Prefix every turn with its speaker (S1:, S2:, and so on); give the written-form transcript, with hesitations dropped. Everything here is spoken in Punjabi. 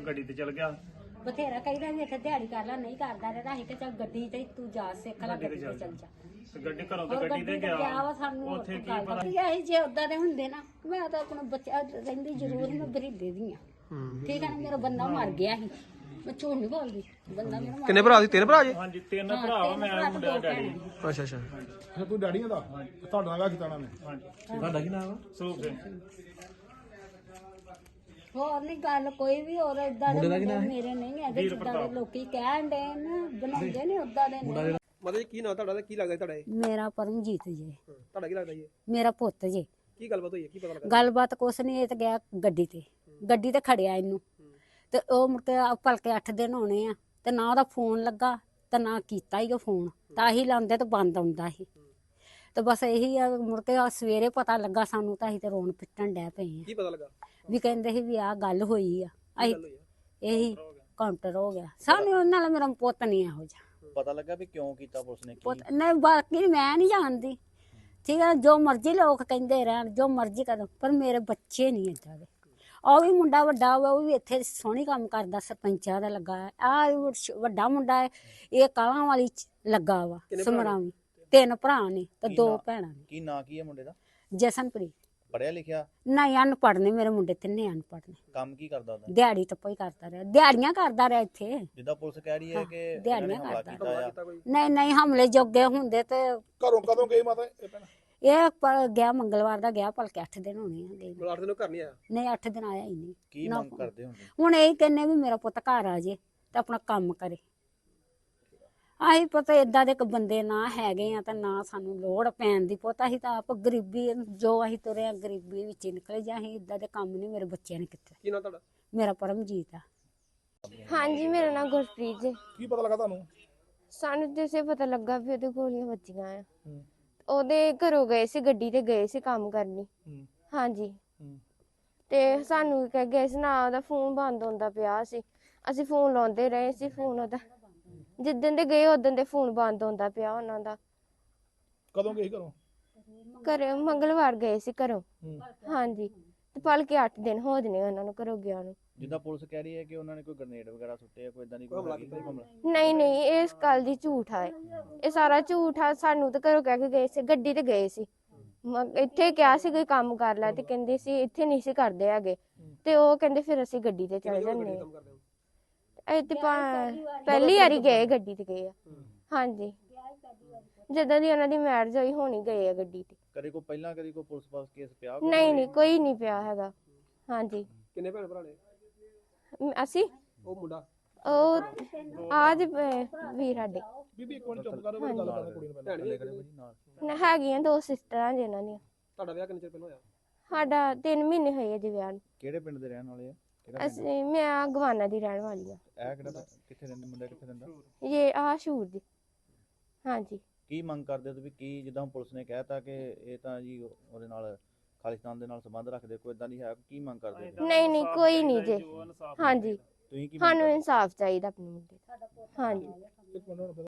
S1: ਗੱਡੀ ਤੇ ਚਲ ਗਿਆ।
S2: ਬਥੇਰਾ ਕਹਿੰਦਾ ਵੀ ਇੱਥੇ ਦਿਹਾੜੀ ਕਰ ਲੈ, ਨਹੀਂ ਕਰਦਾ ਰਹਿੰਦਾ। ਅਸੀਂ ਕਿ ਚੱਲ ਗੱਡੀ ਤੇ ਤੂੰ ਜਾ ਸਿੱਖ ਲੈ, ਗੱਡੀ ਤੇ ਚੱਲ ਜਾ।
S1: ਗੱਡੀ ਘਰੋਂ ਤੇ ਗੱਡੀ ਤੇ ਗਿਆ
S2: ਸਾਨੂੰ
S1: ਉੱਥੇ ਕੀ ਪਤਾ
S2: ਇਹ ਜੇ ਉਦਾਂ ਦੇ ਹੁੰਦੇ ਨਾ, ਮੈਂ ਤਾਂ ਆਪਣਾ ਬੱਚਾ ਰਹਿੰਦੀ ਜ਼ਰੂਰ ਮੈਂ ਬਰੀਦੇ ਦੀ ਆ। ਠੀਕ ਹੈ ਨਾ, ਮੇਰਾ ਬੰਦਾ ਮਰ ਗਿਆ ਸੀ, ਮੈਂ ਝੂਠ ਨਹੀਂ ਬੋਲਦੀ। ਬੰਦਾ ਮੇਰਾ
S3: ਕਿੰਨੇ ਭਰਾ ਸੀ? 3 ਭਰਾ ਜੀ?
S1: ਹਾਂਜੀ 3 ਭਰਾ ਵਾ, ਮੈਂ ਮੁੰਡੇ ਦਾ ਡੈਡੀ।
S3: ਅੱਛਾ ਅੱਛਾ।
S4: ਫਿਰ ਤੂੰ ਡੈਡੀ ਦਾ ਤੁਹਾਡਾ ਨਾਮ ਕੀਤਾ ਉਹਨਾਂ ਨੇ?
S1: ਹਾਂਜੀ।
S3: ਤੁਹਾਡਾ ਕੀ ਨਾਮ ਆ?
S1: ਸਰੂਪ ਸਿੰਘ।
S2: ਹੋਰ ਨਹੀਂ ਗੱਲ ਕੋਈ ਵੀ, ਹੋਰ ਏਦਾਂ ਦੇ ਮੇਰੇ ਨਹੀਂ ਹੈਗੇ ਜਿੱਦਾਂ ਦੇ ਲੋਕੀ ਕਹਿਣ ਦੇ ਨੇ, ਬਣਾਉਂਦੇ ਨੇ ਉਦਾਂ ਦੇ ਨਹੀਂ।
S3: ਮਤਲਬ ਕੀ ਨਾਮ ਤੁਹਾਡਾ ਤੇ ਕੀ ਲੱਗਦਾ ਤੁਹਾਡਾ?
S2: ਮੇਰਾ ਪਰਮਜੀਤ ਜੀ।
S3: ਤੁਹਾਡਾ ਕੀ ਲੱਗਦਾ ਜੀ?
S2: ਮੇਰਾ ਪੁੱਤ ਜੀ।
S3: ਕੀ ਗੱਲਬਾਤ ਹੋਈ ਹੈ, ਕੀ ਪਤਾ ਲੱਗਾ?
S2: ਗੱਲਬਾਤ ਕੁਛ ਨਹੀਂ, ਇਹ ਤਾਂ ਗਿਆ ਗੱਡੀ ਤੇ ਖੜਿਆ ਇਹਨੂੰ, ਤੇ ਉਹ ਮੁੜ ਕੇ ਭਲਕੇ 8 ਦਿਨ ਹੋਣੇ ਆ, ਤੇ ਨਾ ਉਹਦਾ ਫੋਨ ਲੱਗਾ ਤੇ ਨਾ ਕੀਤਾ ਹੀ ਉਹ ਫੋਨ, ਤਾਂ ਹੀ ਲਾਉਂਦੇ ਤੇ ਬੰਦ ਆਉਂਦਾ ਸੀ। ਤੇ ਬਸ ਇਹੀ ਆ, ਮੁੜ ਕੇ ਸਵੇਰੇ ਪਤਾ ਲੱਗਾ ਸਾਨੂੰ, ਤਾਂ ਅਸੀਂ ਤੇ ਰੋਣ ਪਿੱਟਣ ਡੈ ਪਏ ਆ।
S3: ਕੀ ਪਤਾ ਲੱਗਾ?
S2: ਵੀ ਕਹਿੰਦੇ ਸੀ ਵੀ ਆਹ ਗੱਲ ਹੋਈ ਆ, ਅਸੀਂ ਇਹੀ ਕਾਊਂਟਰ ਹੋ ਗਿਆ। ਸਾਨੂੰ ਉਹਨਾਂ ਨਾਲ ਮੇਰਾ ਪੁੱਤ ਨਹੀਂ ਇਹੋ ਜਿਹਾ
S5: ਪਤਾ ਲੱਗਾ ਵੀ ਕਿਉਂ ਕੀਤਾ ਪੁਲਿਸ ਨੇ?
S2: ਪੁੱਤ ਨਹੀਂ, ਬਾਕੀ ਮੈਂ ਨਹੀਂ ਜਾਣਦੀ। ਠੀਕ ਹੈ, ਜੋ ਮਰਜ਼ੀ ਲੋਕ ਕਹਿੰਦੇ ਰਹਿਣ, ਜੋ ਮਰਜ਼ੀ ਕਰਨ, ਪਰ ਮੇਰੇ ਬੱਚੇ ਨਹੀਂ ਏਦਾਂ ਦੇ। ਉਹ ਵੀ ਮੁੰਡਾ ਵੱਡਾ ਹੋਇਆ, ਉਹ ਵੀ ਇੱਥੇ ਸੋਹਣੀ ਕੰਮ ਕਰਦਾ, ਸਰਪੰਚਾਂ ਦਾ ਲੱਗਾ ਹੈ। ਆ ਵੱਡਾ ਮੁੰਡਾ ਹੈ, ਇਹ ਕਾਲਾਂ ਵਾਲੀ ਲੱਗਾ ਵਾ ਸਮਰਾਵੀ। 3 ਭਰਾ ਨੇ ਤੇ 2 ਭੈਣਾਂ ਨੇ।
S5: ਕੀ ਨਾਂ ਕੀ ਹੈ ਮੁੰਡੇ ਦਾ?
S2: ਜਸਨਪ੍ਰੀਤ।
S5: ਪੜਿਆ ਲਿਖਿਆ?
S2: ਨਹੀਂ, ਅਨਪੜ੍ਹ ਨੇ ਮੇਰੇ ਮੁੰਡੇ, 3 ਅਨਪੜ੍ਹ ਨੇ।
S5: ਕੰਮ ਕੀ ਕਰਦਾ ਉਹਦਾ?
S2: ਦਿਹਾੜੀ ਟੱਪਾ ਹੀ ਕਰਦਾ ਰਿਹਾ, ਦਿਹਾੜੀਆਂ ਕਰਦਾ ਰਿਹਾ ਇੱਥੇ।
S5: ਜਿੱਦਾਂ ਪੁਲਿਸ ਕਹਿ ਰਹੀ ਹੈ ਕਿ
S2: ਦਿਹਾੜੀਆਂ
S5: ਹਮਲਾ
S2: ਕਰਦਾ।
S5: ਕੀਤਾ ਆ।
S2: ਨਹੀਂ ਨਹੀਂ, ਹਮਲੇ ਜੋਗੇ ਹੁੰਦੇ ਤੇ
S4: ਘਰੋਂ ਕਦੋਂ ਗਏ ਮਾਤਾ ਇਹ ਭੈਣ?
S2: ਇਹ ਗਿਆ ਮੰਗਲਵਾਰ ਦਾ ਗਿਆ, ਭਲਕੇ 8 ਦਿਨ ਹੋਣੇ ਆ ਗਏ।
S3: 8 ਦਿਨ ਘਰ ਨਹੀਂ ਆਇਆ?
S2: ਨਹੀਂ, 8 ਦਿਨ ਆਇਆ ਹੀ ਨਹੀਂ।
S5: ਕੀ ਮੰਗ ਕਰਦੇ ਹੁੰਦੇ?
S2: ਹੁਣ ਇਹ ਕਹਿੰਨੇ ਵੀ ਮੇਰਾ ਪੁੱਤ ਘਰ ਆ ਜੇ ਤੇ ਆਪਣਾ ਕੰਮ ਕਰੇ। ਆਹੀ ਪਤਾ ਏਦਾਂ ਦੇ ਬੰਦੇ ਨਾ ਹੈਗੇ ਆ, ਤਾਂ ਨਾ ਸਾਨੂੰ ਲੋੜ ਪੈਣ ਦੀ। ਪੁੱਤ ਅਸੀਂ ਤਾਂ ਆਪ ਗਰੀਬੀ, ਜੋ ਅਸੀਂ ਤੁਰੇ ਆ ਗਰੀਬੀ ਵਿੱਚ ਹੀ ਨਿਕਲੇ। ਜਾਂ ਅਸੀਂ ਏਦਾਂ ਦੇ ਕੰਮ ਨਹੀਂ ਮੇਰੇ ਬੱਚਿਆਂ ਨੇ ਕੀਤੇ।
S3: ਕੀ ਨਾਮ ਤੁਹਾਡਾ?
S2: ਮੇਰਾ ਪਰਮਜੀਤ ਆ।
S6: ਹਾਂਜੀ, ਮੇਰਾ ਨਾਮ ਗੁਰਪ੍ਰੀਤ ਜੀ।
S4: ਕੀ ਪਤਾ ਲੱਗਾ ਤੁਹਾਨੂੰ?
S6: ਸਾਨੂੰ ਜਿਸੇ ਪਤਾ ਲੱਗਾ ਵੀ ਉਹਦੇ ਗੋਲੀਆਂ ਵੱਜੀਆਂ ਆ। ਉਹਦੇ ਘਰੋਂ ਗਏ ਸੀ, ਗੱਡੀ ਤੇ ਗਏ ਸੀ ਕੰਮ ਕਰਨੀ। ਹਾਂਜੀ, ਤੇ ਸਾਨੂੰ ਕਹਿ ਗਏ ਸੀ ਨਾ, ਉਹਦਾ ਫੋਨ ਬੰਦ ਹੁੰਦਾ ਪਿਆ ਸੀ। ਅਸੀਂ ਫੋਨ ਲਾਉਂਦੇ ਰਹੇ ਸੀ, ਫੋਨ ਉਹਦਾ ਜਿੱਦਣ ਦੇ ਗਏ ਉਦੋਂ ਦੇ ਫੋਨ ਬੰਦ ਹੁੰਦਾ ਪਿਆ ਉਹਨਾਂ ਦਾ।
S4: ਕਦੋਂ ਗਏ ਘਰੋਂ?
S6: ਘਰੇ ਮੰਗਲਵਾਰ ਗਏ ਸੀ ਘਰੋਂ। ਹਾਂਜੀ, ਤੇ ਭਲਕੇ 8 ਦਿਨ ਹੋ ਜਨੇ ਉਹਨਾਂ ਨੂੰ ਘਰੋਂ ਗਿਆ ਨੂੰ।
S5: ਜਿੱਦਾਂ ਪੁਲਿਸ ਕਹਿ ਰਹੀ ਹੈ ਕਿ ਉਹਨਾਂ ਨੇ ਕੋਈ ਗ੍ਰਨੇਡ ਵਗੈਰਾ ਸੁੱਟੇ ਆ, ਕੋਈ ਇਦਾਂ ਦੀ ਕੋਈ
S3: ਹਮਲਾ
S5: ਹੈਗੀ
S3: ਕੀਤਾ?
S5: ਹਮਲਾ?
S6: ਨਹੀਂ ਨਹੀਂ, ਇਹ ਇਸ ਗੱਲ ਦੀ ਝੂਠ ਆ। ਇਹ ਸਾਰਾ ਝੂਠ ਆ। ਸਾਨੂੰ ਤਾਂ ਘਰੋਂ ਕਹਿ ਕੇ ਗਏ ਸੀ, ਗੱਡੀ ਤੇ ਗਏ ਸੀ। ਇੱਥੇ ਕਿਹਾ ਸੀ ਕੋਈ ਕੰਮ ਕਰ ਲੈ, ਤੇ ਕਹਿੰਦੇ ਸੀ ਇੱਥੇ ਨਹੀਂ ਸੀ ਕਰਦੇ ਹੈਗੇ। ਤੇ ਉਹ ਕਹਿੰਦੇ ਫਿਰ ਅਸੀਂ ਗੱਡੀ ਤੇ ਚਲੇ ਜਾਂਦੇ
S3: ਕੰਮ ਕਰਦੇ ਹੋ?
S6: ਇਹ ਤੇ ਪਹਿਲੀ ਵਾਰੀ ਗਏ, ਗੱਡੀ ਤੇ ਗਏ ਆ। ਹਾਂਜੀ, ਜਦੋਂ ਦੀ ਉਹਨਾਂ ਦੀ ਮੈਰਿਜ ਹੋਈ ਹੋਣੀ ਗਏ ਆ ਗੱਡੀ ਤੇ।
S5: ਕਦੇ ਕੋਈ ਪਹਿਲਾਂ ਕਦੇ ਕੋਈ ਪੁਲਿਸ ਪਾਸ ਕੇਸ ਪਿਆ?
S6: ਨਹੀਂ ਨਹੀਂ, ਕੋਈ ਨਹੀਂ ਪਿਆ ਹੈਗਾ। ਹਾਂਜੀ।
S3: ਕਿੰਨੇ ਭੈਣ ਭਰਾ ਨੇ?
S6: ਅਸੀਂ
S3: ਉਹ ਮੁੰਡਾ?
S6: ਉਹ ਆਜ ਵੀਰ ਸਾਡੇ
S4: ਬੀਬੀ ਇੱਕ ਮਿੰਟ ਚੁੱਪ ਕਰੋ, ਗੱਲ ਕਰਨ ਕੁੜੀ ਨੂੰ ਪਹਿਲਾਂ।
S3: ਭੈਣ ਵੀ?
S6: ਹੈਗੀਆਂ 2 ਸਿਸਟਰਾਂ ਜੀ ਉਹਨਾਂ ਦੀਆਂ।
S3: ਤੁਹਾਡਾ ਵਿਆਹ ਕਿੰਨੇ ਚਿਰ ਪਹਿਲਾਂ ਹੋਇਆ?
S6: ਸਾਡਾ 3 ਮਹੀਨੇ ਹੋਏ ਆ ਜੀ ਵਿਆਹ ਨੂੰ।
S5: ਕਿਹੜੇ ਪਿੰਡ ਦੇ ਰਹਿਣ ਵਾਲੇ ਆ? ਕਿਹੜਾ ਪਿੰਡ?
S6: ਅਸੀਂ ਮੈਂ ਗਵਾਨਾ ਦੀ ਰਹਿਣ ਵਾਲੀ ਆ।
S5: ਇਹ ਕਿਹੜਾ ਕਿੱਥੇ ਰਹਿੰਦੇ ਮੁੰਡਾ, ਕਿੱਥੇ ਰਹਿੰਦਾ?
S6: ਇਹ ਸ਼ੂਰ ਦੀ। ਹਾਂਜੀ।
S5: ਕੀ ਮੰਗ ਕਰਦੇ ਹੋ ਤੁਸੀਂ? ਕੀ ਜਿੱਦਾਂ ਪੁਲਿਸ ਨੇ ਕਹਿਤਾ ਕਿ ਇਹ ਤਾਂ ਜੀ ਉਹਦੇ ਨਾਲ ਖਾਲਿਸਤਾਨ ਦੇ ਨਾਲ ਸੰਬੰਧ ਰੱਖਦੇ, ਕੋਈ ਇਦਾਂ ਦੀ ਹੈ? ਕੀ ਮੰਗ ਕਰਦੇ ਹੋ?
S6: ਨਹੀਂ ਨਹੀਂ, ਕੋਈ ਨਹੀਂ ਜੀ। ਹਾਂਜੀ,
S5: ਤੁਸੀਂ ਕੀ
S6: ਸਾਨੂੰ ਇਨਸਾਫ ਚਾਹੀਦਾ ਆਪਣੇ ਮੁੰਡੇ ਦਾ। ਹਾਂਜੀ।
S4: ਇੱਕ ਮਿੰਟ